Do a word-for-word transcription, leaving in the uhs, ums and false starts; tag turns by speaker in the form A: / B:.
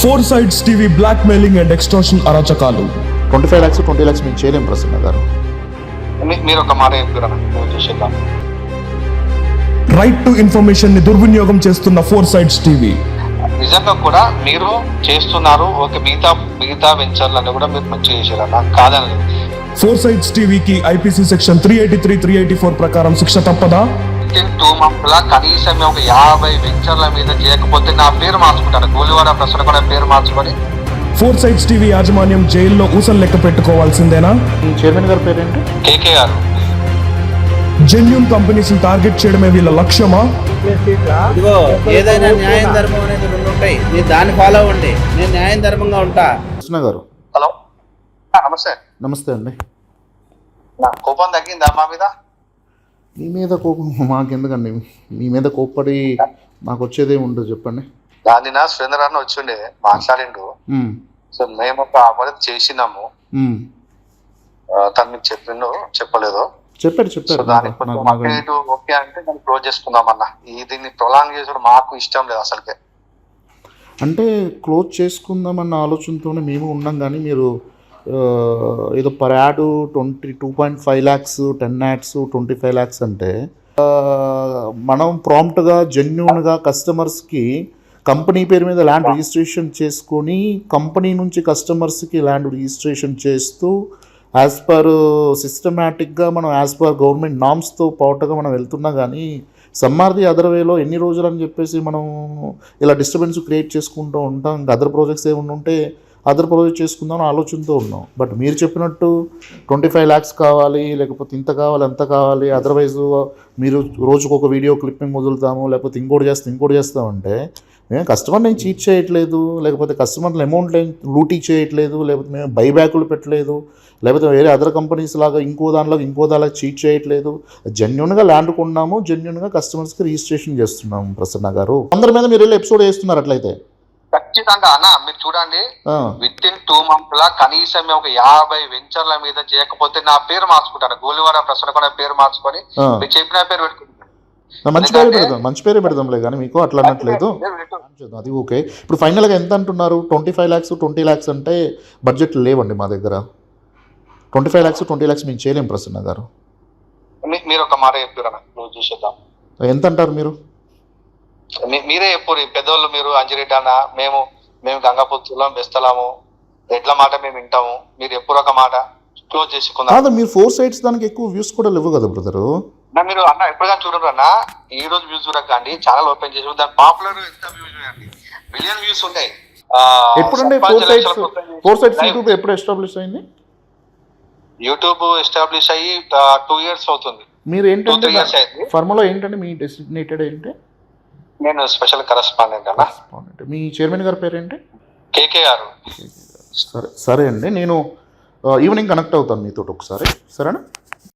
A: Four sides TV blackmailing and extortion అరాచకాలు.
B: Twenty five lakhs twenty lakhs మేము చేయలేం ప్రసన్న గారు.
C: మీరు ఒక మాట చెప్పారా?
A: రైట్ టు ఇన్ఫర్మేషన్ ని దుర్వినియోగం చేస్తున్న ఫోర్ సైడ్స్ టీవీ.
C: నిజంగా కూడా మీరు చేస్తున్నారు. ఓకే, మిగతా మిగతా వెంచర్లను కూడా మీరు మంచిగా చేశారన్న, కాదని.
A: ఫోర్ సైడ్స్ టీవీకి IPC section three eighty three three eighty four ప్రకారం శిక్ష తప్పదా?
C: టూ మంత్స్ లా కనీసం ఒక యాభై వెంచర్ల మీద చేయకపోతే నా పేరు మార్చుకుంటాను. గోలివాడ ప్రసన్న కూడా పేరు మార్చుకొని
A: ఫోర్ సైడ్స్ టీవీ యాజమాన్యం జైల్లో ఊసలు లెక్క పెట్టుకోవాల్సిందేనా?
B: ఈ చైర్మన్ గారి పేరేంటి?
C: కేకే గారు.
A: జెన్యూన్ కంపెనీస్ టార్గెట్ చేయడమే వీళ్ళ లక్ష్యమా?
D: ఇదిగో ఏదైనా న్యాయం ధర్మం అనేది రెండు ఉంటాయి, మీరు దాన్ని ఫాలో అవ్వండి. నేను న్యాయం ధర్మంగా ఉంటా.
B: కృష్ణ గారు
C: హలో, నమస్తే.
B: నమస్తే అండి.
C: నా కోపం తగ్గిందా మా మీద?
B: మీ మీద కోపం మాకెందుకండి? మీ మీద కోప్పడి మాకు వచ్చేదే ఉండదు, చెప్పండి.
C: దాని నా సురేంద్ర అన్న వచ్చిండే మాట్లాడిండు.
B: మ్మ్.
C: సో మేము ఒక అపరాధం చేసినాము.
B: మ్మ్.
C: ఆ, తను మీకు చెప్పిండు చెప్పలేదు.
B: చెప్పారు
C: సో
B: చెప్పారు
C: దానికి
B: నాకు-
C: కొంచెం
B: నాకు-
C: అప్డేట్ ఓకే అంటే దాన్ని క్లోజ్ చేసుకుందాం అన్న. ఈ దీన్ని ప్రొలాంగ్ చేసుడు మాకు ఇష్టం లేదు అసలుకే.
B: అంటే క్లోజ్ చేసుకుందామన్న ఆలోచనతోనే మేము ఉన్నాం, కానీ మీరు ఆ, ఏదో per ad twenty two point five lakhs ten ads twenty five lakhs అంటే ఆ, మనం ప్రాంప్ట్గా జెన్యూన్గా కస్టమర్స్కి కంపెనీ పేరు మీద ల్యాండ్ రిజిస్ట్రేషన్ చేసుకొని కంపెనీ నుంచి కస్టమర్స్కి ల్యాండ్ రిజిస్ట్రేషన్ చేస్తూ యాజ్ పర్ సిస్టమేటిక్గా మనం యాజ్ పర్ గవర్నమెంట్ నామ్స్తో పాటుగా మనం వెళ్తున్నా, కానీ సమ్మార్ది అదర్ వేలో ఎన్ని రోజులు అని చెప్పేసి మనం ఇలా డిస్టర్బెన్స్ క్రియేట్ చేసుకుంటూ ఉంటాం. ఇంకా అదర్ ప్రాజెక్ట్స్ ఏమైనా ఉంటే అదర్ ప్రాజెక్ట్ చేసుకుందాం అని ఆలోచనతో ఉన్నాం. బట్ మీరు చెప్పినట్టు ట్వంటీ ఫైవ్ ల్యాక్స్ కావాలి, లేకపోతే ఇంత కావాలి అంత కావాలి, అదర్వైజ్ మీరు రోజుకు ఒక వీడియో క్లిప్పింగ్ వదులుతాము, లేకపోతే ఇంకోటి చేస్తాం ఇంకోటి చేస్తామంటే మేము కస్టమర్ని ఏం చీట్ చేయట్లేదు, లేకపోతే కస్టమర్లు అమౌంట్లు ఏం లూటీ చేయట్లేదు, లేకపోతే మేము బైబ్యాకులు పెట్టలేదు, లేకపోతే వేరే అదర్ కంపెనీస్ లాగా ఇంకో దానిలో ఇంకో దానిలో చీట్ చేయట్లేదు. జెన్యున్గా ల్యాండ్ కొన్నాము, జెన్యున్గా కస్టమర్స్కి రిజిస్ట్రేషన్ చేస్తున్నాము. ప్రసన్న గారు అందరి మీద మీరు వెళ్ళి ఎపిసోడ్ చేస్తున్నారు అట్లయితే
C: ఖచ్చితంగా అన్న. మీరు చూడండి, విత్ ఇన్ టూ మంత్స్ లా కనీసం ఒక యాభై వెంచర్ల మీద చేయకపోతే నా పేరు మార్చుకుంటాను. గోలివాడ ప్రసన్న కూడా పేరు మార్చుకొని మీరు చెప్పిన పేరు పెట్టుకుంటాను.
B: మంచి పేరే పెడదాం మంచి పేరే పెడదాంలే, కానీ మీకు అట్లా అన్నట్లేదు. అది ఓకే. ఇప్పుడు ఫైనల్గా ఎంత అంటున్నారు? Twenty five lakhs twenty lakhs అంటే బడ్జెట్ లేవండి మా దగ్గర. Twenty five lakhs twenty lakhs మేము చేయలేం ప్రసన్న గారు.
C: మీరు ఒక మాట చెప్పారా? నువ్వు చూసేద్దాం.
B: ఎంత అంటారు మీరు?
C: మీరే చెప్పు. పెద్దోళ్ళు మీరు అంజిరెడ్డి అన్న, మేము మేము గంగాపుత్రులం బెస్తలాము, ఎట్ల మాట మేము వింటాము. మీరు ఎప్పుడు ఒక మాట క్లోజ్ చేసుకుందాం.
B: కాదు, మీరు ఫోర్ సైడ్స్ దానికి ఎక్కువ వ్యూస్ కూడా లేవు కదా బ్రదరు.
C: మీరు అన్న ఎప్పుడుగా చూడరు అన్న. ఈ రోజు వ్యూస్ చూడకండి, ఛానల్ ఓపెన్ చేసి దాని పాపులర్ ఎంత వ్యూస్ చూడండి, మిలియన్ వ్యూస్ ఉన్నాయి.
B: ఎప్పుడంటే four sides four sides YouTube ఎప్పుడు ఎస్టాబ్లిష్ అయింది?
C: యూట్యూబ్ ఎస్టాబ్లిష్ అయ్యి టూ ఇయర్స్ అవుతుంది.
B: మీరు ఏంటంటే ఫార్ములా ఏంటంటే మీ డెసిగ్నేటెడ్ ఏంటి?
C: నేను స్పెషల్ కరెస్పాండెంట్ అన్న.
B: మీ చైర్మన్ గారి పేరేంటి?
C: కేకే గారు.
B: సరే సరే అండి, నేను ఈవినింగ్ కనెక్ట్ అవుతాను మీతో ఒకసారి, సరేనా?